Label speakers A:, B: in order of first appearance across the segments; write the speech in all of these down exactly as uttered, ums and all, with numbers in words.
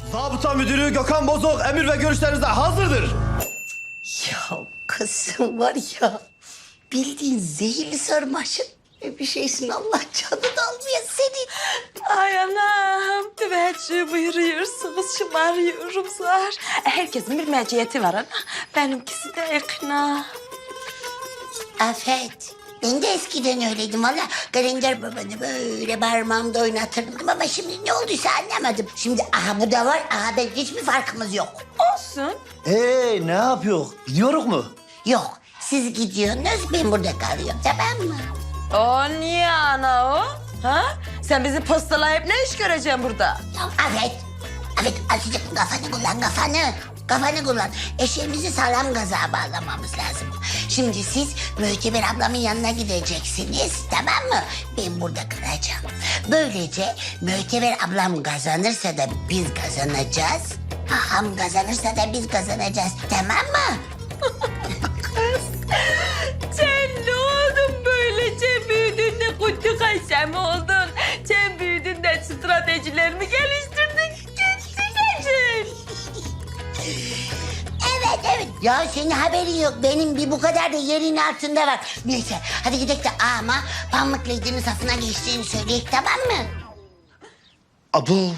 A: Zabıta müdürü Gökhan Bozok emir ve görüşlerinize hazırdır.
B: Ya kızım var ya, bildiğin zehirli sarmaşık bir şeysin, Allah canını almaya senin.
C: Ay anam, teveccüh buyuruyorsunuz, şımarıyorum zar. Herkesin bir meciyeti var ana, benimkisi de ikna.
B: Afet, ben de eskiden öyleydim valla. Kalender babanı böyle parmağımda oynatırdım ama şimdi ne olduysa anlamadım. Şimdi aha bu da var, aha ben hiçbir farkımız yok.
C: Olsun.
A: Ee ne yapıyor? Gidiyoruz mu?
B: Yok, siz gidiyorsunuz, ben burada kalıyorum, tamam mı?
C: O niye ana o? Ha? Sen bizim postalayıp ne iş göreceksin burada?
B: Ya Afet, Afet azıcık kafanı kullan, kafanı. Kafanı kullan. Eşeğimizi sağlam gaza bağlamamız lazım. Şimdi siz Müteber ablamın yanına gideceksiniz, tamam mı? Ben burada kalacağım. Böylece Müteber ablam kazanırsa da biz kazanacağız. Aham kazanırsa da biz kazanacağız, tamam mı?
C: Sen ne oldun böyle? Sen büyüdün de kutu kaşem oldun. Sen büyüdün de stratejilerimi geliştirdin. Gitsin
B: Evet, evet. Ya senin haberin yok. Benim bir bu kadar da yerin altında var. Neyse, hadi gidelim de ama Pamuk Lady'nin safına geçtiğini söyleyek, tamam mı?
A: Abu.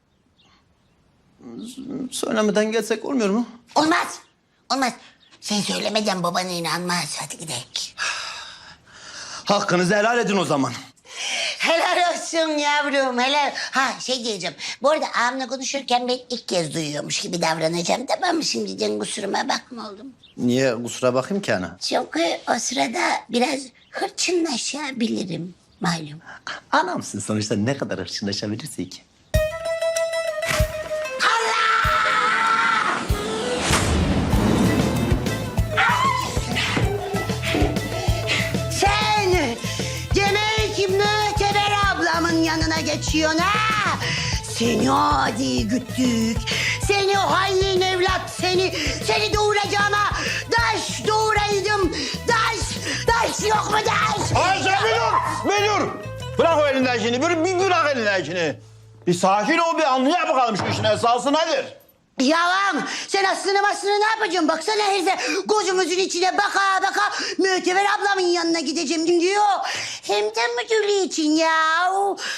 A: Söylemeden gelsek olmuyor mu?
B: Olmaz, olmaz. Sen söylemeden babana inanmaz. Hadi gidelim.
A: Hakkınızı helal edin o zaman.
B: Helal olsun yavrum, helal. Ha şey diyeceğim. Bu arada ağamla konuşurken ben ilk kez duyuyormuş gibi davranacağım, tamam mı? Şimdiden kusuruma bakma oğlum.
A: Niye kusura bakayım ki ana?
B: Çünkü o sırada biraz hırçınlaşabilirim malum.
A: Anamsın sonuçta, ne kadar hırçınlaşabilirsek.
B: Sen demek Müteber ablamın yanına geçiyorsun ha? Seni adi güttük. Seni hain evlat seni. Seni doğuracağıma daş doğuraydım. Daş, daş yok mu daş?
D: Ayşe bir dur, bir dur. Bırak o elinden şimdi, bir, bir bırak elinden şimdi. Bir sakin ol, bir anlaya bakalım şu işin esası nedir?
B: Yalan. Sen aslını aslını ne yapacaksın? Baksana herife gözümüzün içine baka baka Müteber ablamın yanına gideceğim diyor. Hem de müdürlüğü için ya.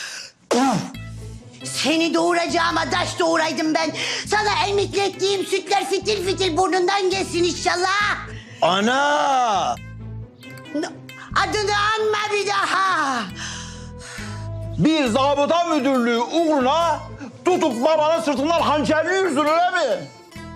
B: Seni doğuracağıma daş doğuraydım ben. Sana emiklettiğim sütler fitil fitil burnundan gelsin inşallah.
A: Ana!
B: Adını anma bir daha.
D: Bir zabıta müdürlüğü uğruna tutup babanın sırtından hançerliyorsun öyle mi?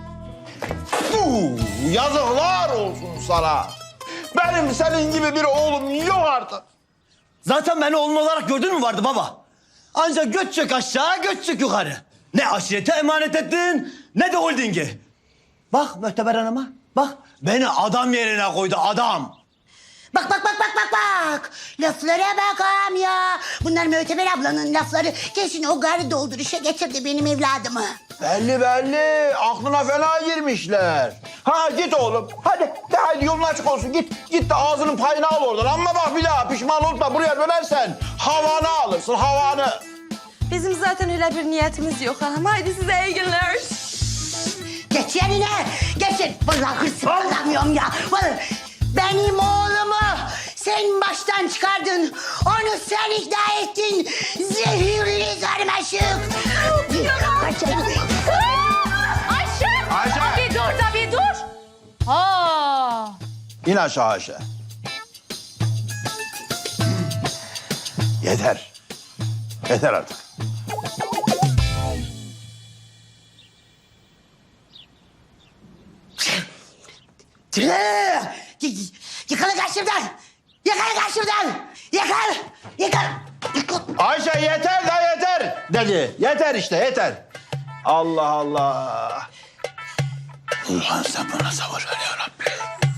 D: Fuh, yazıklar olsun sana. Benim senin gibi bir oğlum yok artık.
A: Zaten beni oğlun olarak gördün mü vardı baba? Ancak göç çök aşağı, göç çök yukarı. Ne aşirete emanet ettin, ne de holdingi. Bak Müteber Hanım'a, bak beni adam yerine koydu, adam.
B: Bak bak bak bak bak bak. Laflara bakam ya. Bunlar Müteber ablanın lafları. Kesin o garı dolduruşa getirdi benim evladımı.
D: Belli belli, aklına fena girmişler. Ha git oğlum, hadi de hadi yolun açık olsun. Git, git de ağzının payını al oradan. Ama bak bir daha pişman olma, buraya dönersen havanı alırsın, havanı.
C: Bizim zaten öyle bir niyetimiz yok hanım. Haydi size iyi günler.
B: Geç yerine. Geçin. Vallahi hırsımı alamıyorum ya. Vallahi benim oğlumu sen baştan çıkardın. Onu sen ikna ettin. Zehirli sarmaşık. Kaçın.
C: Ayşe!
D: Ayşe!
C: Bir dur da bir dur. Ha.
D: İn aşağı Ayşe. Yeter. Yeter artık.
B: Tüh! Y- Yıkılın karşımdan! Yıkılın karşımdan! Yıkıl! Yıkıl! Yıkıl!
D: Ayşe yeter da yeter dedi. Yeter işte yeter. Allah Allah. Ulan sen bana sabır ver ya Rabbi.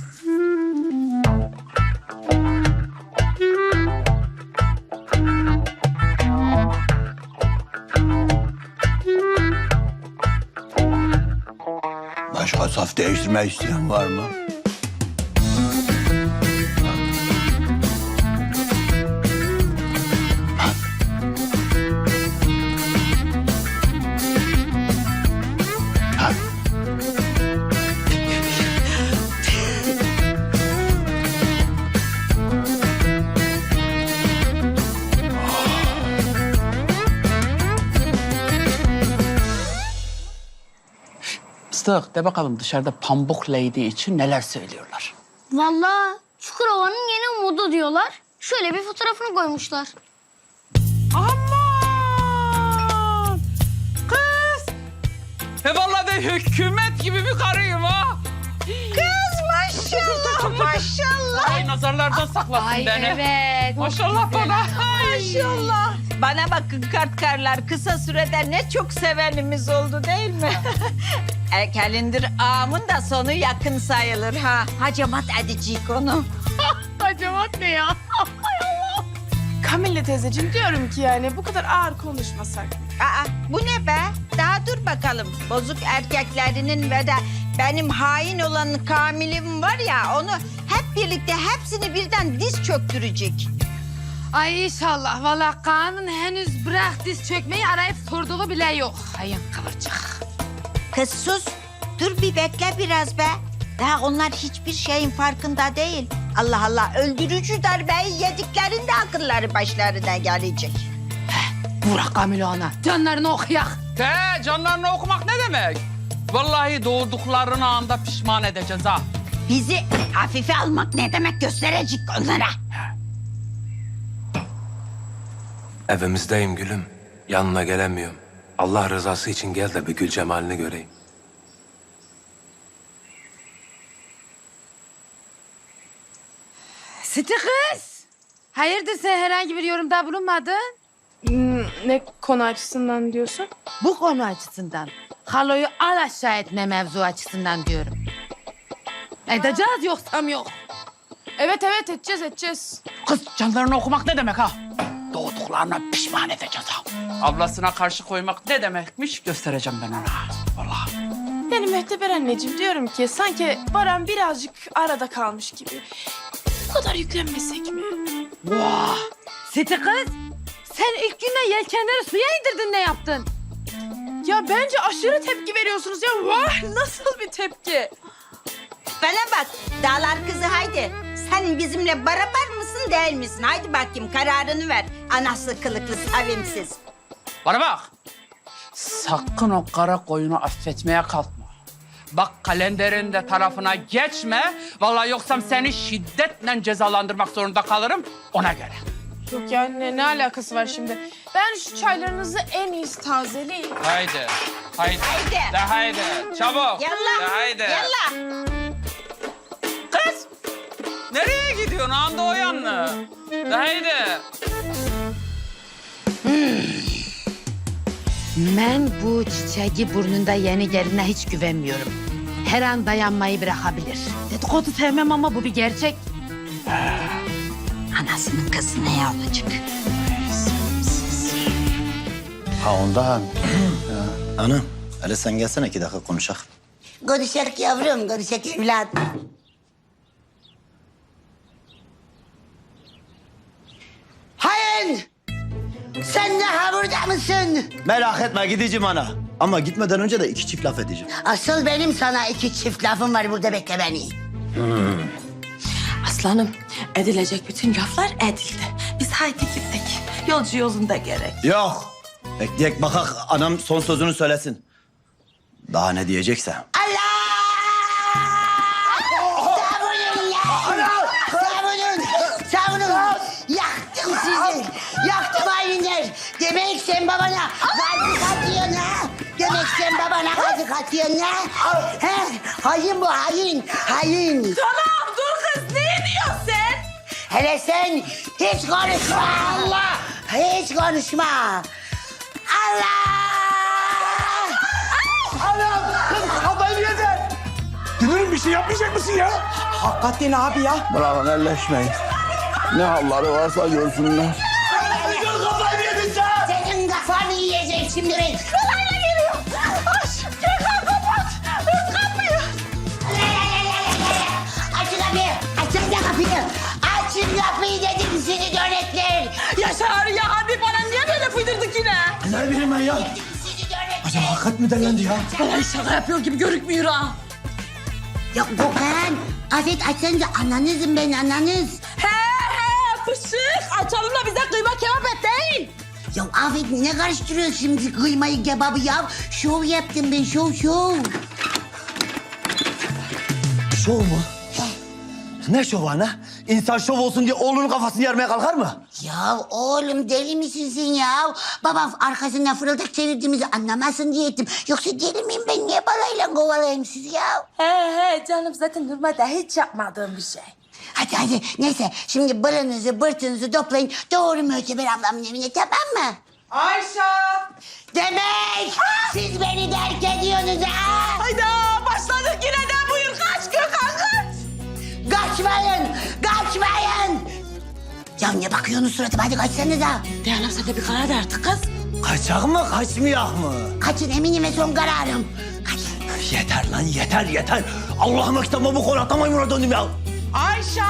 D: Başka saf değiştirmek isteyen var mı?
E: Fıstık de bakalım dışarıda Pambuk Lady için neler söylüyorlar.
F: Vallahi Çukurova'nın yeni umudu diyorlar. Şöyle bir fotoğrafını koymuşlar.
E: Aman! Kız! He vallahi ben hükümet gibi bir karıyım ha.
C: Kız maşallah maşallah.
E: Ay nazarlardan saklasın beni.
C: Evet.
E: Maşallah bana.
C: Maşallah. Bana bakın kartkarlar, kısa sürede ne çok sevenimiz oldu değil mi? Erkelindir ağamın da sonu yakın sayılır ha. Hacamat edecek onu.
G: Hacamat ne ya? Kamille teyzeciğim diyorum ki yani bu kadar ağır konuşmasak.
C: Aa, bu ne be? Daha dur bakalım. Bozuk erkeklerinin ve de benim hain olan Kamil'im var ya, onu hep birlikte hepsini birden diz çöktürecek.
H: Ay inşallah. Vallahi Kaan'ın henüz bırak diz çökmeyi arayıp sorduğu bile yok. Hayın kıvırcık.
C: Kız sus. Dur bir bekle biraz be. Daha onlar hiçbir şeyin farkında değil. Allah Allah, öldürücü darbeyi yediklerinde akılları başlarına gelecek.
H: Burak Kamil ona. Canlarını okuyak.
E: Te canlarını okumak ne demek? Vallahi doğduklarını anda pişman edeceğiz ha.
C: Bizi hafife almak ne demek gösterecek onlara.
I: Evimizdeyim gülüm. Yanına gelemiyorum. Allah rızası için gel de bir gül cemalini göreyim.
H: Siti kız. Hayırdır sen herhangi bir yorumda bulunmadın?
G: Hmm, ne konu açısından diyorsun?
H: Bu konu açısından. Haloyu al aşağı etme mevzu açısından diyorum. Edeceğiz yoksam yok.
G: Evet evet edeceğiz edeceğiz.
E: Kız canlarını okumak ne demek ha? Doğduklarına pişman edeceğiz ha. Ablasına karşı koymak ne demekmiş göstereceğim ben ona. Vallahi.
G: Yani Mühteber anneciğim diyorum ki sanki Baran birazcık arada kalmış gibi. Bu kadar yüklenmesek mi?
H: Vah! Siti kız. Sen ilk günden yelkenleri suya indirdin, ne yaptın?
G: Ya bence aşırı tepki veriyorsunuz ya. Vah nasıl bir tepki?
C: Bana bak dağlar kızı, haydi. Sen bizimle beraber mısın değil misin? Haydi bakayım kararını ver. Anası kılıklı sevimsiz.
E: Bana bak. Sakın o kara koyunu affetmeye kalkma. Bak kalenderin de tarafına geçme. Vallahi yoksam seni şiddetle cezalandırmak zorunda kalırım. Ona göre.
G: Yok yani ne, ne alakası var şimdi? Ben şu çaylarınızı en iyisi tazeleyin.
E: Haydi. Haydi.
C: Haydi.
E: De haydi. Çabuk.
C: Yallah.
E: De haydi.
C: Yallah.
E: Kız. Nereye gidiyorsun? Anda o yanına. De haydi.
H: Ben bu çiçeği burnunda yeni geline hiç güvenmiyorum. Her an dayanmayı bırakabilir. Dedikodu sevmem ama bu bir gerçek.
C: Anasının kızı ne olacak?
A: Ha ondan. Ha, Anam, hele sen gelsene iki dakika konuşak.
B: Konuşak yavrum, konuşak evlat. Hayır! Sen daha burada mısın?
A: Merak etme gideceğim ana. Ama gitmeden önce de iki çift laf edeceğim.
B: Asıl benim sana iki çift lafım var, burada bekle beni.
J: Aslanım, edilecek bütün laflar edildi. Biz haydi gittik. Yolcu yolunda gerek.
A: Yok. Bekleyek bakak anam son sözünü söylesin. Daha ne diyecekse.
B: Allah! Savunun ya! Savunun! Savunun! Yaktım sizi! Yaktım hainler! Demek sen babana gazı katıyorsun ha? Demek sen babana gazı katıyorsun ha? He? Hain bu hain! Hain!
C: Tamam dur kız, ne diyorsun sen?
B: Hele sen hiç konuşma! Allah! Hiç konuşma! Allah!
D: Hakikaten abi ya. Bırakın elleşmeyin. Ne halları varsa görsünler.
B: Senin kafanı yiyecek şimdi ben. Kolayla geliyor. Aç. Gökhan kapat. Aç kapıyı. Açın kapıyı. Açın da kapıyı. Açın kapıyı dedim sizi dönekler.
C: Yaşar ya, hadi bana niye böyle fıydırdık yine?
A: Ne bileyim ben ya.
B: Sizi dönekler.
A: Acaba hakikat mi derlendi ya?
C: Vallahi şaka yapıyor gibi görükmüyor ha.
B: Ya Gökhan. Afet açsanıza ananızım ben ananız.
C: He he fışık, açalım da bize kıyma kebap et değil.
B: Ya Afet ne karıştırıyorsun şimdi kıymayı kebabı ya? Şov yaptım ben şov şov.
A: Şov mu? Ne şovu ana? İnsan şov olsun diye oğlunun kafasını yarmaya kalkar mı?
B: Ya oğlum deli misin sen ya? Babam arkasından fırıldak çevirdiğimizi anlamasın diye ettim. Yoksa deli miyim ben? Niye balayla kovalayayım sizi ya?
J: He he canım zaten normalde hiç yapmadığım bir şey.
B: Hadi hadi neyse şimdi bırınızı bırtınızı toplayın. Doğru Möteber ablamın evine, tamam mı?
J: Ayşe!
B: Demek siz beni terk ediyorsunuz ha?
J: Hayda başladık yine de buyur kaç Gökhan kaç.
B: Kaçmayın, kaçmayın. Ya ne bakıyorsunuz suratıma, hadi kaçsanıza.
J: Dayanam sen de bir karar ver artık kız.
A: Kaçak mı kaçmayak mı?
B: Kaçın eminim ve son kararım. Kaçın.
A: Yeter lan yeter yeter. Allah'ıma kitabıma bu konakta maymuna döndüm ya.
J: Ayşe!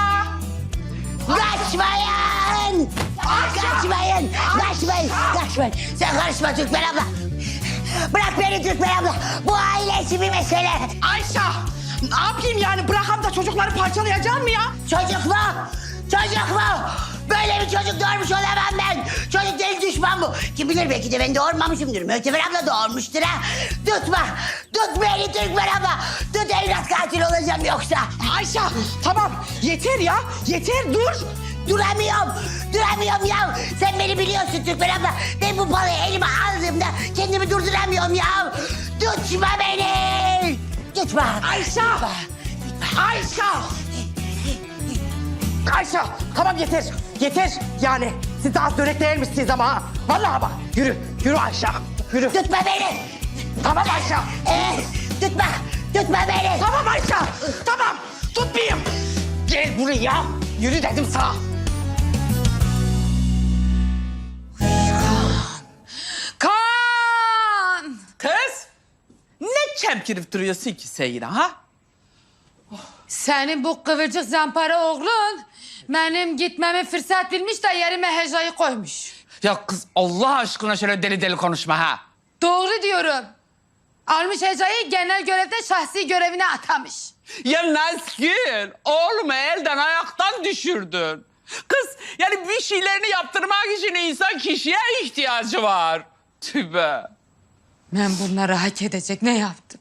B: Kaçmayın! Kaçmayın! Kaçmayın! Kaçmayın! Sen karışma Türkmen abla. Bırak beni Türkmen abla. Bu ailesi bir mesele.
J: Ayşe! Ne yapayım yani bırakam da çocukları parçalayacağım mı ya?
B: Çocuk mu? Çocuk mu? Böyle bir çocuk doğurmuş olamam ben. Çocuk değil düşman bu. Kim bilir belki de ben doğurmamışımdır. Möteber abla doğurmuştur ha. Tutma. Tut beni Türkmen abla. Tut evlat katil olacağım yoksa.
J: Ayşe tamam yeter ya yeter dur.
B: Duramıyorum. Duramıyorum ya. Sen beni biliyorsun Türkmen abla. Ben bu balayı elime aldığımda kendimi durduramıyorum ya. Tutma beni. Tutma.
J: Ayşe! Ayşe! Ayşe tamam yeter yeter yani siz de az dönek değilmişsiniz ama ha. Vallahi bak yürü yürü Ayşe yürü.
B: Tutma beni.
J: Tamam Ayşe.
B: Ee, tutma. Tutma beni.
J: Tamam Ayşe tamam tutmayayım. Gel buraya yürü dedim sana.
E: Kan! Kız! Ne çemkirip duruyorsun ki sen yine ha?
H: Senin bu kıvırcık zampara oğlun benim gitmemi fırsat bilmiş de yerime Heca'yı koymuş.
E: Ya kız Allah aşkına şöyle deli deli konuşma ha.
H: Doğru diyorum. Almış Heca'yı genel görevde şahsi görevine atamış.
E: Ya Nazgül, oğlumu elden ayaktan düşürdün. Kız yani bir şeylerini yaptırmak için insan kişiye ihtiyacı var. Tübe.
H: Ben bunları hak edecek ne yaptım?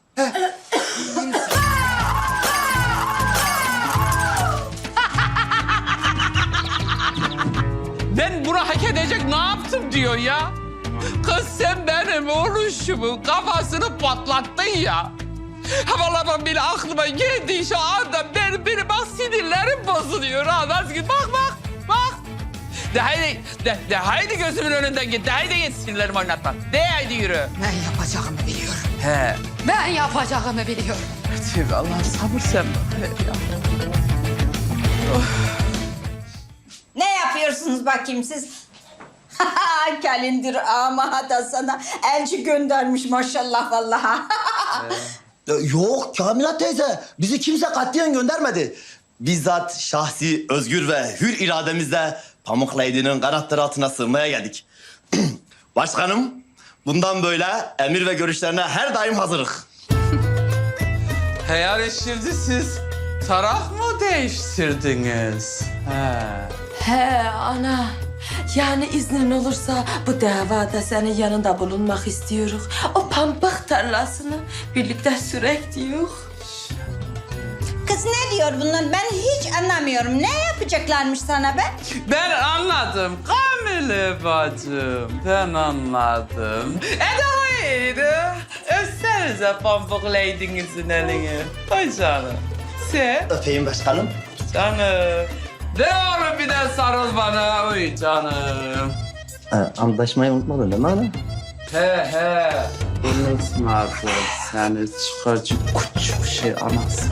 E: Ben bunu hak edecek ne yaptım diyor ya. Kız sen benim oğluşumun kafasını patlattın ya. Ha vallahi ben bile aklıma geldi şu anda benim, benim bak sinirlerim bozuluyor ha Nazgül. Bak bak bak. De haydi, de, de haydi gözümün önünden git. De haydi git sinirlerimi oynatma. De haydi yürü.
H: Ben yapacağımı biliyorum.
E: He.
H: Ben yapacağımı biliyorum.
E: Tübe Allah sabır sen bana ver ya.
C: Ne yapıyorsunuz bakayım siz? Kalindir ama da sana elçi göndermiş maşallah vallahi.
A: Ya Yok Kamila teyze. Bizi kimse katiyen göndermedi. Bizzat şahsi, özgür ve hür irademizle Pamuk Lady'nin kanatları altına sığmaya geldik. Başkanım, bundan böyle emir ve görüşlerine her daim hazırız.
E: He yani şimdi siz taraf mı değiştirdiniz? He.
J: He ana. Yani iznin olursa bu davada senin yanında bulunmak istiyoruz. O pamuk tarlasını birlikte sürek diyor.
C: Kız ne diyor bunlar? Ben hiç anlamıyorum. Ne yapacaklarmış sana be?
E: Ben anladım Kamile bacım. Ben anladım. E de haydi. Öpsenize Pamuk Lady'nizin elini. Ay canım. Sen
A: Öpeyim başkanım.
E: canım. De oğlum bir de sarıl bana. Oy canım.
A: Ha, antlaşmayı unutmadın değil mi ana?
E: He he. Unutmadım seni çıkarcı küçük şey anası.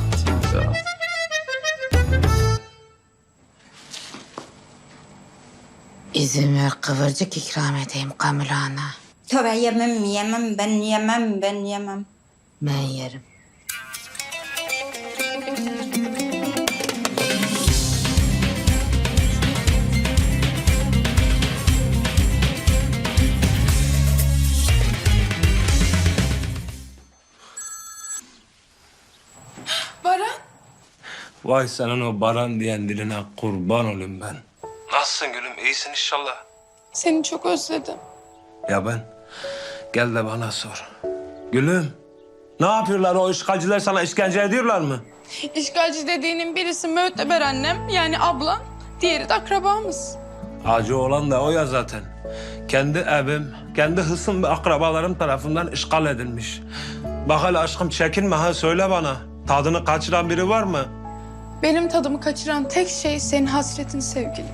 H: İzin ver kıvırcık ikram edeyim Kamila ana.
C: Tövbe yemem yemem ben yemem ben yemem.
H: Ben yerim.
G: Baran
I: Vay senin o Baran diyen diline kurban olayım ben. Nasılsın gülüm? İyisin inşallah.
G: seni çok özledim.
I: Ya ben? Gel de bana sor. Gülüm, ne yapıyorlar o işgalciler sana işkence ediyorlar mı?
G: İşgalci dediğinin birisi Möteber annem yani ablam, diğeri de akrabamız.
I: Acı olan da o ya zaten. Kendi evim, kendi hısım ve akrabalarım tarafından işgal edilmiş. Bak hele aşkım çekinme ha söyle bana. Tadını kaçıran biri var mı?
G: Benim tadımı kaçıran tek şey senin hasretin sevgilim.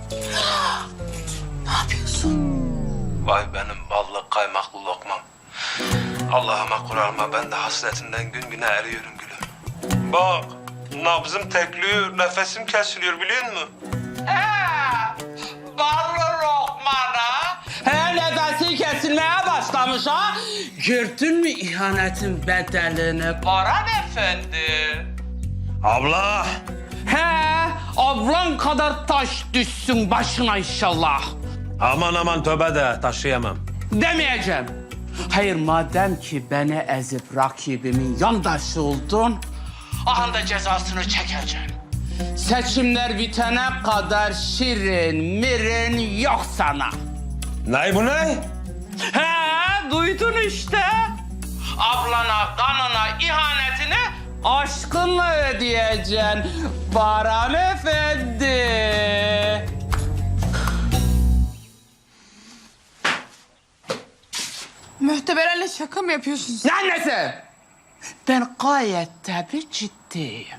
I: Vay benim ballı kaymaklı lokmam. Allah'ıma Kur'an'ıma ben de hasretinden gün güne eriyorum gülüm. Bak nabzım tekliyor, nefesim kesiliyor biliyor musun?
E: Ballı lokmana. He nefesi kesilmeye başlamış ha. Gördün mü ihanetin bedelini Baran Efendi?
I: Abla!
E: He ablan kadar taş düşsün başına inşallah.
I: Aman aman tövbe de taşıyamam.
E: Demeyeceğim. Hayır madem ki beni ezip rakibimin yandaşı oldun, ahanda cezasını çekeceksin. Seçimler bitene kadar şirin mirin yok sana.
I: Ne bu ne?
E: He duydun işte. Ablana kanına ihanetini aşkınla ödeyeceksin Baran Efendi.
G: Möhteber anne şaka mı yapıyorsun sen?
E: Ne annesi? Ben gayet tabii ciddiyim.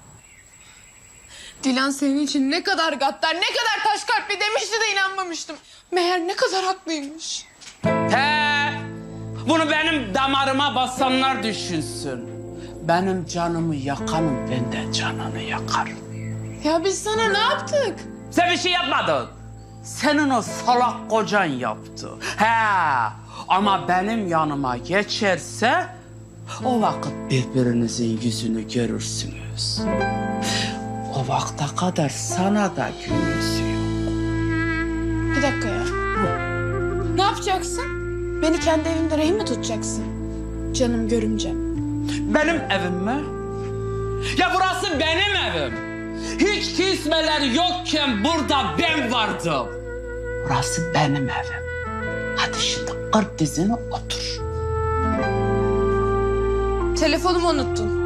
G: Dilan senin için ne kadar gaddar, ne kadar taş kalpli demişti de inanmamıştım. Meğer ne kadar haklıymış.
E: He, bunu benim damarıma basanlar düşünsün. Benim canımı yakanım, ben de canını yakarım.
G: Ya biz sana ne yaptık?
E: Sen bir şey yapmadın. Senin o salak kocan yaptı. He, ama benim yanıma geçerse o vakit birbirinizin yüzünü görürsünüz. O vakte kadar sana da gününüz yok.
G: Bir dakika ya. Ne yapacaksın? Beni kendi evimde rehin mi tutacaksın? Canım görümcem.
E: Benim evim mi? Ya burası benim evim. Hiç kismeler yokken burada ben vardım. Burası benim evim. Hadi şimdi kır dizini otur.
G: Telefonumu unuttun.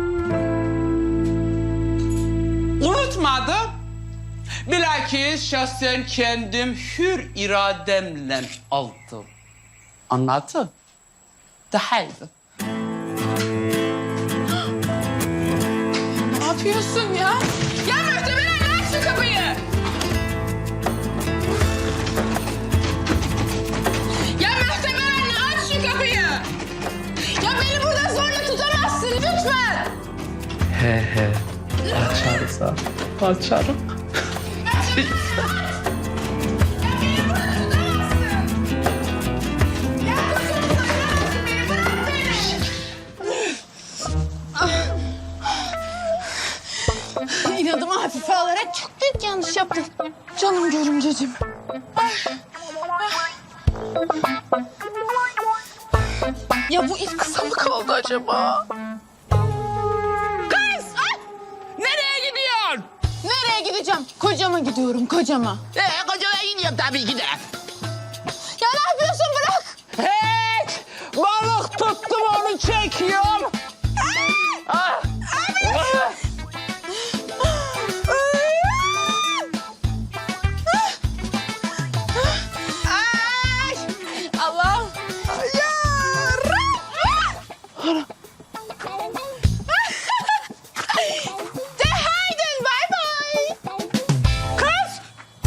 E: Unutmadım. Bilakis şahsen kendim hür irademle aldım. Anladın? De haydi.
G: Ne yapıyorsun ya? Ya Möhteber anne aç şu kapıyı. Ya Möhteber anne aç şu kapıyı. Ya beni burada zorla tutamazsın lütfen.
E: He he. Açarsa açarım.
G: İnadımı hafife alarak çok büyük yanlış yaptım. Canım görümceciğim. Ya bu ip kısa mı kaldı acaba? Kız! Ay!
E: Nereye gidiyorsun?
G: Nereye gideceğim? Kocama gidiyorum, kocama.
E: Ee, kocana gidiyorum tabii ki de.
G: Ya ne yapıyorsun? Bırak!
E: Hiç! Balık tuttum onu çekiyorum. Ah!
G: Ay! Allah'ım! Ya! De haydin, bay bay!
E: Kız!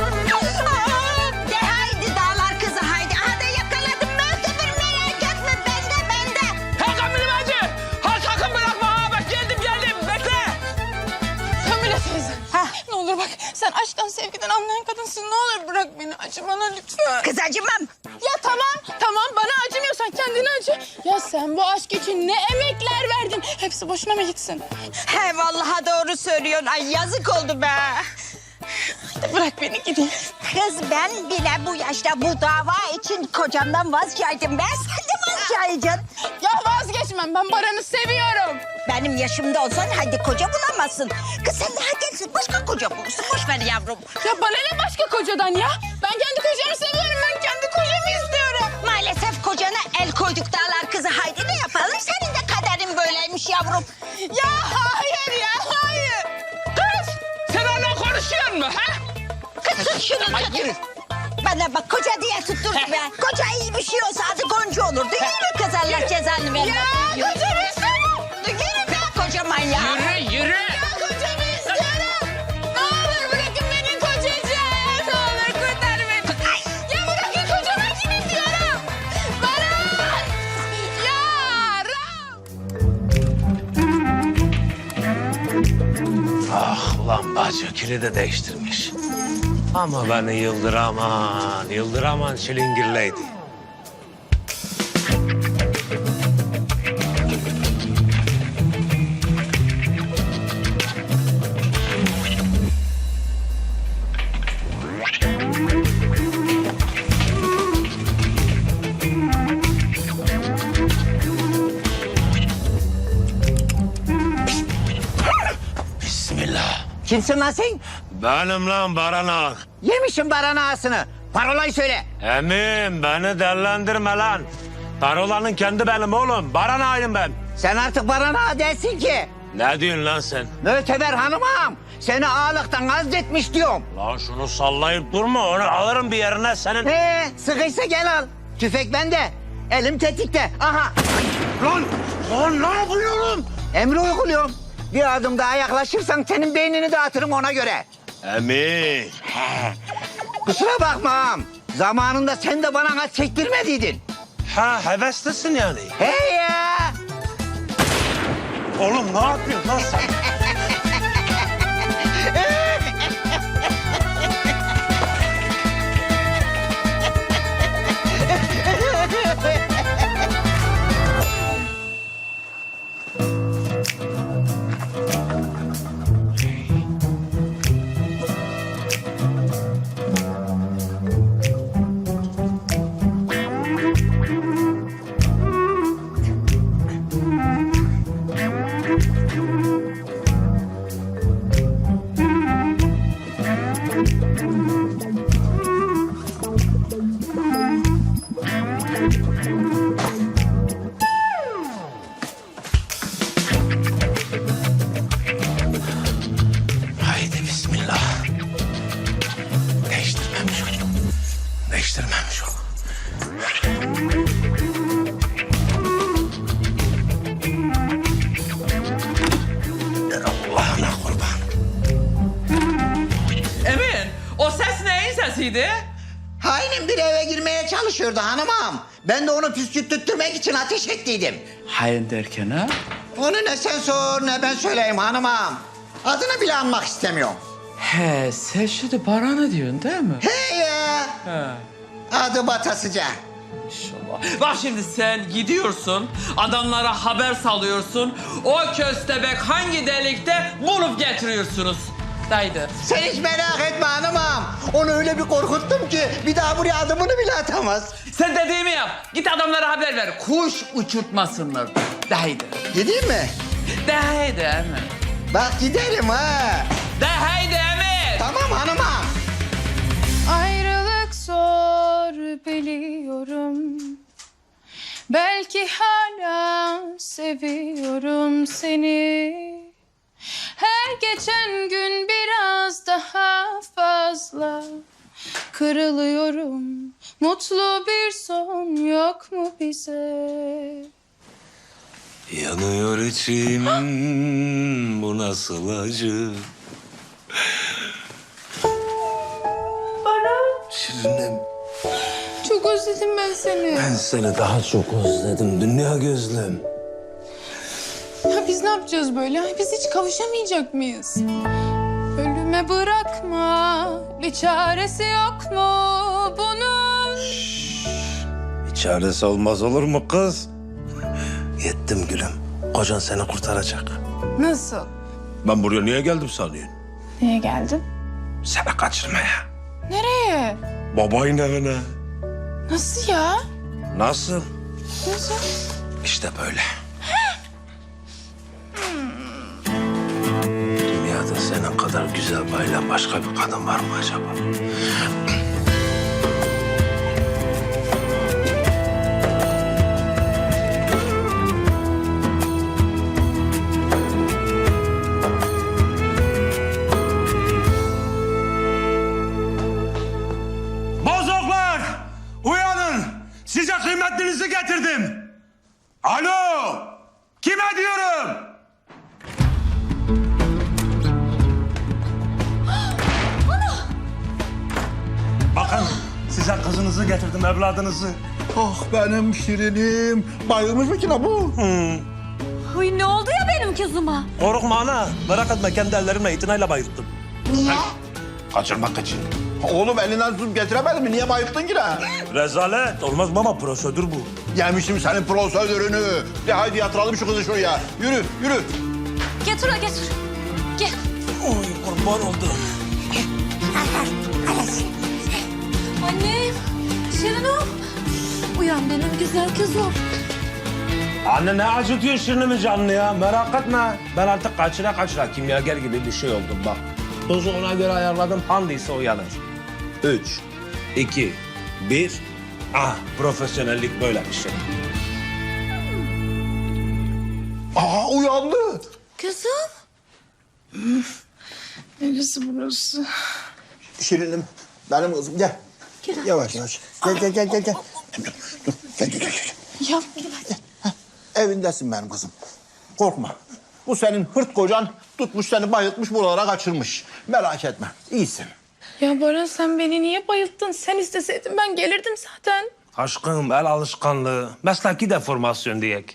C: De haydi dağlar kızı haydi. Aha da yakaladım Möhteber merak etme bende bende.
E: Hakan benim acı! Ha sakın bırakma ha bak geldim geldim bekle!
G: Kamile teyze. Ne olur bak sen aşktan sevgiden anlayan kadınsın. Ne olur bırak beni acı bana lütfen.
C: Kız acımam.
G: Ya tamam tamam bana acımıyorsan kendine acı. Ya sen bu aşk için ne emekler verdin. Hepsi boşuna mı gitsin?
C: He vallahi doğru söylüyorsun. Ay yazık oldu be.
G: Hadi bırak beni gideyim.
C: Kız ben bile bu yaşta bu dava için kocamdan vazgeçtim. Ben sen de vazgeçeceksin.
G: Ya vazgeçmem ben Baran'ı seviyorum.
C: Benim yaşımda olsan hadi koca bulamazsın. Kız sen daha gençsin başka koca bulursun. Boş ver yavrum.
G: Ya bana ne başka kocadan ya? Ben kendi kocamı seviyorum. Ben kendi kocamı istiyorum.
C: Maalesef kocana el koyduk dağlar kızı. Haydi ne yapalım? Senin de kaderin böyleymiş yavrum.
G: Ya hayır ya.
C: şunu tut. Bana bak koca diye tuttur be. Koca iyi bir şey olsa adı Gonca olur değil mi kız Allah cezanı vermesin. Ya kocamı istiyorum. Yürü be koca manyak.
E: Yürü yürü.
G: Kocamı istiyorum. Ne olur bırakın beni kocacığım. Ne olur kurtar beni. Ya bırakın kocamı kim istiyorum. Baran. Ya Ram.
I: Ah ulan bacı kilidi değiştirmiş. Ama beni yıldıraman, yıldıraman çilingirleydi. Bismillah.
K: Kimsin lan sen?
I: Benim lan baranak.
K: Yemişim baran ağasını. Parolayı söyle.
I: Emin beni dellendirme lan. Parolanın kendi benim oğlum. Baranağıyım ben.
K: Sen artık baran ağa değilsin ki.
I: Ne diyorsun lan sen?
K: Müteber hanımım. Seni ağalıktan azletmiş diyorum.
I: Lan şunu sallayıp durma. Onu alırım bir yerine senin.
K: He, sıkıysa gel al. Tüfek bende. Elim tetikte. Aha.
I: Lan, lan ne yapıyorum?
K: Emri uyguluyorum. Bir adım daha yaklaşırsan senin beynini dağıtırım ona göre.
I: Emin.
K: Kusura bakma ağam. Zamanında sen de bana az çektirmediydin.
I: Ha heveslisin yani.
K: He ya.
I: Oğlum ne yapıyorsun lan sen? Haydi bismillah. Değiştirmemiş o. Değiştirmemiş o. Allah'ına kurban.
E: Emin, o ses neyin sesiydi?
K: Hainin bir eve girmeye çalışıyordu hanımım. Ben de onu püskürttürmek için ateş ettiydim.
E: Hain derken ha?
K: Onu ne sen sor ne ben söyleyeyim hanımım. Adını bile anmak istemiyorum.
E: He, sen şimdi Baran'ı diyorsun değil mi?
K: He ya.
E: He.
K: Adı Batasıca.
E: İnşallah. Bak şimdi sen gidiyorsun, adamlara haber salıyorsun. O köstebek hangi delikte bulup getiriyorsunuz. Haydi.
K: Sen hiç merak etme hanımım. Onu öyle bir korkuttum ki bir daha buraya adımını bile atamaz.
E: Sen dediğimi yap. Git adamlara haber ver. Kuş uçurtmasınlar. De haydi.
K: Gideyim mi?
E: De haydi Emin.
K: Bak gidelim ha.
E: De haydi Emin.
K: Tamam hanımım.
G: Ayrılık zor biliyorum. Belki hala seviyorum seni. Her geçen gün biraz daha fazla kırılıyorum. Mutlu bir son yok mu bize?
I: Yanıyor içim, bu nasıl acı? Şirinim,
G: Çok özledim ben seni.
I: ben seni daha çok özledim dünya gözlüm.
G: Ya biz ne yapacağız böyle? Biz hiç kavuşamayacak mıyız? Ölüme bırakma, bir çaresi yok mu bunun?
I: Bir çaresi olmaz olur mu kız? Yettim gülüm, kocan seni kurtaracak.
G: Nasıl?
I: Ben buraya niye geldim sanıyorsun?
G: Niye geldin?
I: Seni kaçırmaya.
G: Nereye?
I: Babayın evine.
G: Nasıl ya?
I: Nasıl?
G: Nasıl?
I: İşte böyle. Dünyada senin kadar güzel bayılan başka bir kadın var mı acaba? Kime diyorum? Bakın size kızınızı getirdim, evladınızı.
D: Ah benim şirinim. Bayılmış mı ki la bu?
G: Uy, ne oldu ya benim kızıma?
I: Korkma ana. Merak etme, kendi ellerimle itinayla bayılttım.
B: Niye?
I: Kaçırmak için.
D: Oğlum elinden tutup getiremedin mi? Niye bayılttın ki la?
I: Rezalet. Olmaz baba, prosedür bu.
D: Yemişim senin prosedürünü. De haydi yatıralım şu kızı şuraya. Yürü, yürü.
G: Getir o getir. Gel.
I: Oy kurban oldum.
G: Annem. Şirin'im. Uyan benim güzel kızım.
I: Anne ne acıtıyorsun Şirinemin canını ya? Merak etme. Ben artık kaçıra kaçıra kimyager gibi bir şey oldum bak. Dozu ona göre ayarladım. Handıysa uyanır. Üç, iki, bir. Ah, profesyonellik böyle bir şey.
D: Aa uyandı.
G: Kızım.
J: Neresi burası?
D: Şirinim, benim kızım gel. Yavaş yavaş. Gel gel gel gel. gel. Dur, dur. Gel gel gel. gel.
J: Ya
D: Evindesin benim kızım. Korkma. Bu senin hırt kocan tutmuş seni bayıltmış buralara kaçırmış. Merak etme. İyisin.
J: Ya Baran sen beni niye bayılttın? Sen isteseydin ben gelirdim zaten.
I: Aşkım, el alışkanlığı. Mesleki deformasyon diyek.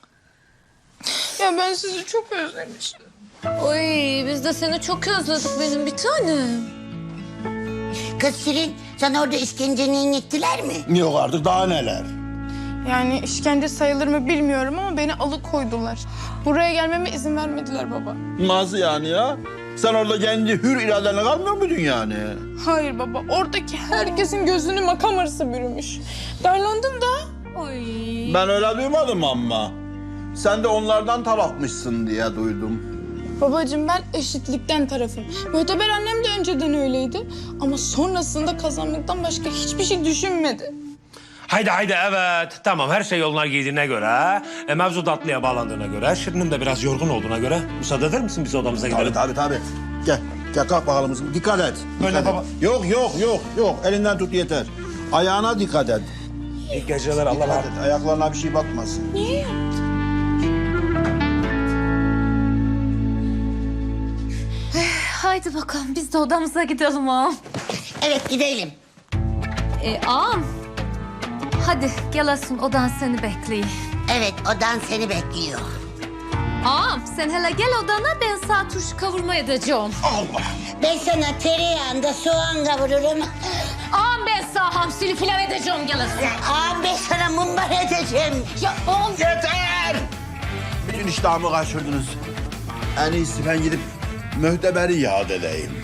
J: Ya ben sizi çok özlemişim.
G: Oy biz de seni çok özledik benim bir tanem.
B: Kız Şirin, sana orada işkencenin ettiler mi?
D: Yok artık daha neler.
J: Yani işkence sayılır mı bilmiyorum ama beni alıkoydular. Buraya gelmeme izin vermediler baba.
D: Nasıl yani ya? Sen orada kendi hür iradenle kalmıyor muydun yani?
J: Hayır baba, oradaki herkesin gözünü makam arası bürümüş. Darlandım da.
G: Oy.
D: Ben öyle duymadım ama. Sen de onlardan tarafmışsın diye duydum.
J: Babacığım ben eşitlikten tarafım. Muhteber annem de önceden öyleydi. Ama sonrasında kazanmaktan başka hiçbir şey düşünmedi.
I: Haydi haydi evet. Tamam, her şey yoluna girdiğine göre, e, mevzu tatlıya bağlandığına göre, Şirin'in de biraz yorgun olduğuna göre müsaade eder misin biz odamıza gidelim?
D: Tabii tabii tabii. Gel. Gel kalk bakalım kızım. Dikkat et.
I: Öyle
D: Dikkat
I: baba.
D: et. Yok yok yok yok. Elinden tut yeter. Ayağına dikkat et.
I: İyi geceler, Allah
D: Dikkat
I: razı
D: et. Ayaklarına bir şey batmasın.
G: Haydi bakalım biz de odamıza gidelim ağam.
B: Evet, gidelim.
G: E, ağam. Hadi gelesin odan seni bekliyor.
B: Evet, odan seni bekliyor.
G: Ağam sen hele gel odana ben sağ turşu kavurma edeceğim.
B: Ben sana tereyağında soğan kavururum.
G: Ağam ben sağ hamsili pilav edeceğim gelesin.
B: Ağam ben sana mumbar edeceğim.
G: Ya ağam.
D: Yeter! Bütün iştahımı kaçırdınız. En iyisi ben gidip mühteberi yad edeyim.